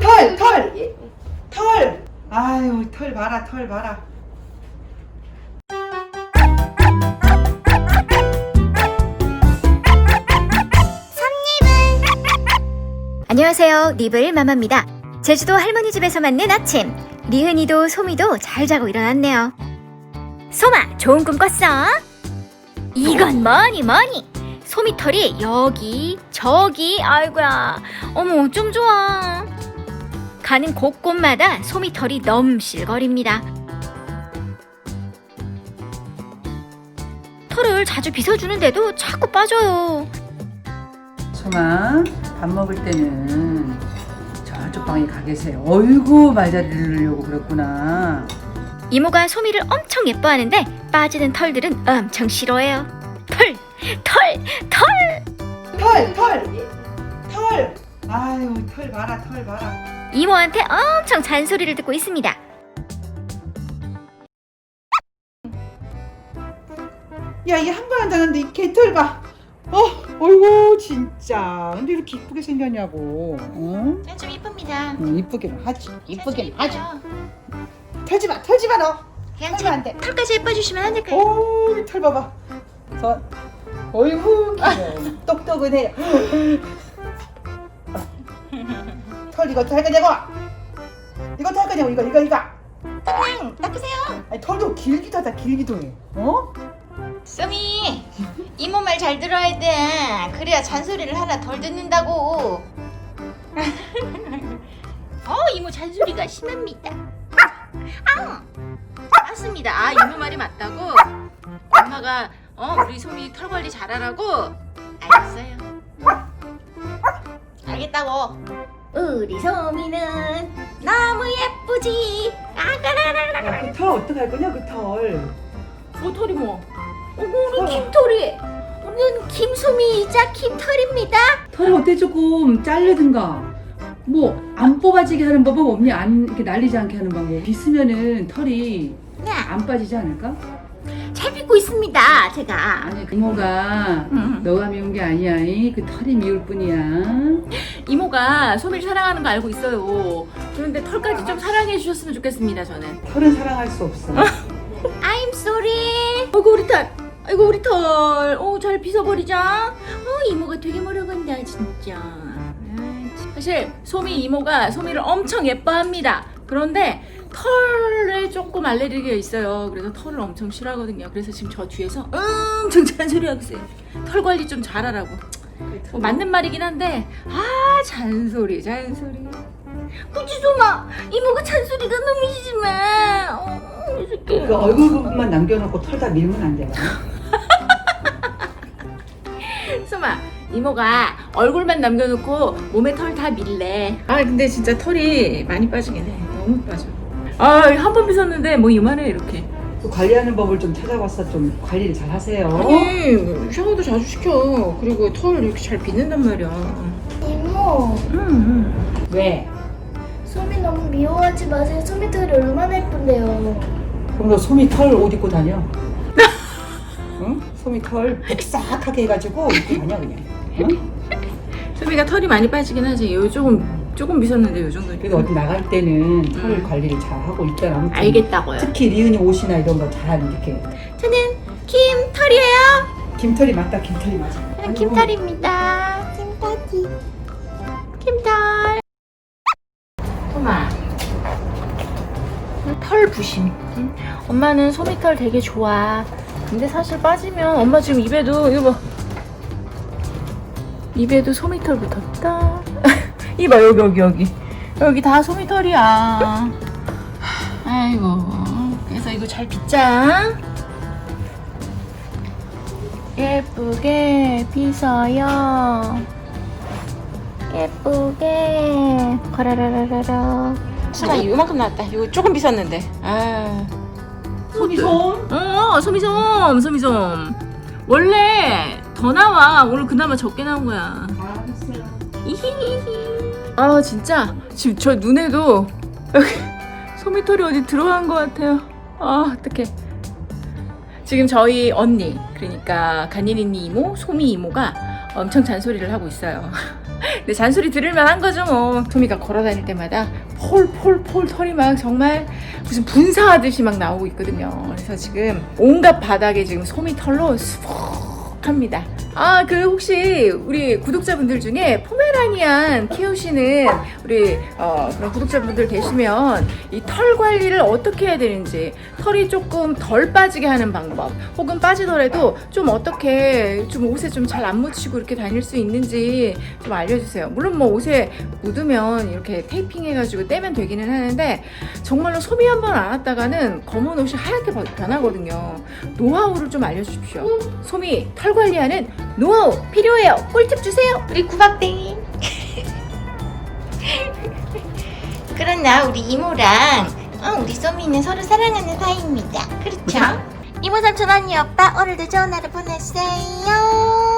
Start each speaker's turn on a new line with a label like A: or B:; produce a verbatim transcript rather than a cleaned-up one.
A: 털, 털, 털. 아유, 털 봐라, 털 봐라.
B: 안녕하세요, 니블 마마입니다. 제주도 할머니 집에서 맞는 아침. 리은이도 소미도 잘 자고 일어났네요. 소마, 좋은 꿈 꿨어? 이건 뭐니 뭐니? 소미 털이 여기 저기. 아이고야, 어머 좀 좋아. 가는 곳곳마다 소미 털이 넘실거립니다. 털을 자주 빗어주는데도 자꾸 빠져요.
A: 소마, 밥 먹을 때는 저쪽 방에 가 계세요. 어이구, 말자리를 누르려고 그랬구나.
B: 이모가 소미를 엄청 예뻐하는데 빠지는 털들은 엄청 싫어해요. 털! 털! 털!
A: 털, 털, 털. 아유, 털 봐라, 털 봐라.
B: 이모한테 엄청 잔소리를 듣고 있습니다.
A: 야, 이게 한 번 한다는데 이 개털 봐. 어, 어이구, 진짜. 근데 이렇게 이쁘게 생겼냐고. 어?
B: 좀 이쁩니다.
A: 응, 이쁘게는 하지. 이쁘게는 하지.
B: 이뻐요.
A: 털지 마, 털지 마, 너.
B: 그냥
A: 털면 안 돼.
B: 털까지 예뻐주시면 안 될까요?
A: 오, 이 털 봐봐. 저, 어이구, 귀여워. 똑똑은 해요. 털 이거 할 거냐고? 이거 할 거냐고? 이거, 이거, 이거.
B: 그냥 닦으세요.
A: 아니, 털도 길기도 하다, 길기도 해. 어?
B: 쏘미, 이모 말 잘 들어야 돼. 그래야 잔소리를 하나 덜 듣는다고. 어, 이모 잔소리가 심합니다. 아, 맞습니다. 아, 이모 말이 맞다고. 엄마가 어 우리 소미 털 관리 잘하라고. 알겠어요. 알겠다고. 우리 소미는 너무 예쁘지. 아가라라라.
A: 야, 그 털 어떡할 거냐, 그 털.
B: 뭐 털이 뭐? 어머, 우리 김털이. 우리는 김소미이자 김털입니다.
A: 털을 어때 조금 자르든가. 뭐 안 뽑아지게 하는 방법 없니? 안 이렇게 날리지 않게 하는 방법. 빗으면은 털이
B: 네,
A: 안 빠지지 않을까?
B: 잘 빗고 있습니다, 제가.
A: 아니, 이모가
B: 음.
A: 너가 미운 게 아니야. 이. 그 털이 미울 뿐이야.
C: 이모가 소미를 사랑하는 거 알고 있어요. 그런데 털까지 좀 사랑해 주셨으면 좋겠습니다, 저는.
A: 털은 사랑할 수 없어.
B: I'm sorry.
C: 아이고 우리 털, 아이고 우리 털, 어, 잘 빗어버리자. 어, 이모가 되게 멀어간다 진짜. 아이, 참. 사실 소미 이모가 소미를 엄청 예뻐합니다. 그런데 털에 조금 알레르기가 있어요. 그래서 털을 엄청 싫어하거든요. 그래서 지금 저 뒤에서 엄청 잔소리하고 있어요. 털 관리 좀 잘하라고. 뭐 맞는 말이긴 한데, 아, 잔소리 잔소리.
B: 그치, 소마. 이모가 잔소리가 너무 심해. 어, 어떡해.
A: 그 얼굴 부분만 남겨놓고 털 다 밀면 안 돼.
C: 소마, 이모가 얼굴만 남겨놓고 몸에 털 다 밀래. 아, 근데 진짜 털이 많이 빠지긴 해. 너무 빠져. 아, 한 번 빗었는데 뭐 이만해 이렇게.
A: 그 관리하는 법을 좀 찾아봤어. 좀 관리를 잘 하세요.
C: 아니, 샤워도 자주 시켜. 그리고 털 이렇게 잘 빗는단 말이야.
D: 이모,
C: 응, 응.
A: 왜?
D: 소미 너무 미워하지 마세요. 소미 털이 얼마나 예쁜데요.
A: 그럼 너 소미 털 옷 입고 다녀? 응? 소미 털 빽싹하게 해가지고 입고 다녀 그냥. 응?
C: 소미가 털이 많이 빠지긴 하지. 요 조금 조금 빗었는데 요 정도.
A: 그래도 어디 나갈 때는 털
C: 음.
A: 관리를 잘 하고 있잖아. 아무튼
C: 알겠다고요.
A: 특히 리은이 옷이나 이런 거 잘 이렇게.
B: 저는 김털이에요.
A: 김털이 맞다. 김털이 맞아.
B: 저는 김털입니다.
D: 찐따지.
B: 김털.
C: 소마, 털 부심. 응? 엄마는 소미털 되게 좋아. 근데 사실 빠지면 엄마 지금 입에도 이거 봐. 입에도 소미털 붙었다. 이봐, 여기 여기 여기 여기 다 소미털이야. 아이고, 그래서 이거 잘 빗자. 예쁘게 빗어요. 예쁘게. 거라라라라라. 진짜 이만큼 나왔다. 이거 조금 빗었는데. 아.
A: 소미솜?
C: 어, 소미솜, 소미솜. 원래 더 나와. 오늘 그나마 적게 나온 거야.
A: 알았어요.
C: 이히히히. 아, 진짜 지금 저 눈에도 여기 소미털이 어디 들어간 것 같아요. 아, 어떡해. 지금 저희 언니, 그러니까 간이린이 이모, 소미 이모가 엄청 잔소리를 하고 있어요. 근데 잔소리 들을만 한 거죠 뭐. 소미가 걸어다닐 때마다 폴폴폴 털이 막 정말 무슨 분사하듯이 막 나오고 있거든요. 그래서 지금 온갖 바닥에 지금 소미 털로 수북합니다. 아, 그 혹시 우리 구독자분들 중에 포메라니안 키우시는 우리 어, 그런 구독자분들 계시면 이 털 관리를 어떻게 해야 되는지, 털이 조금 덜 빠지게 하는 방법, 혹은 빠지더라도 좀 어떻게 좀 옷에 좀 잘 안 묻히고 이렇게 다닐 수 있는지 좀 알려주세요. 물론 뭐 옷에 묻으면 이렇게 테이핑 해가지고 떼면 되기는 하는데 정말로 소미 한 번 안 왔다가는 검은 옷이 하얗게 변하거든요. 노하우를 좀 알려주십시오. 소미 털 관리하는 노하우 필요해요. 꿀팁 주세요.
B: 우리 구박댕이. 그러나 우리 이모랑 어, 우리 소미는 서로 사랑하는 사이입니다. 그렇죠? 이모 삼촌 언니 오빠 오늘도 좋은 하루 보내세요.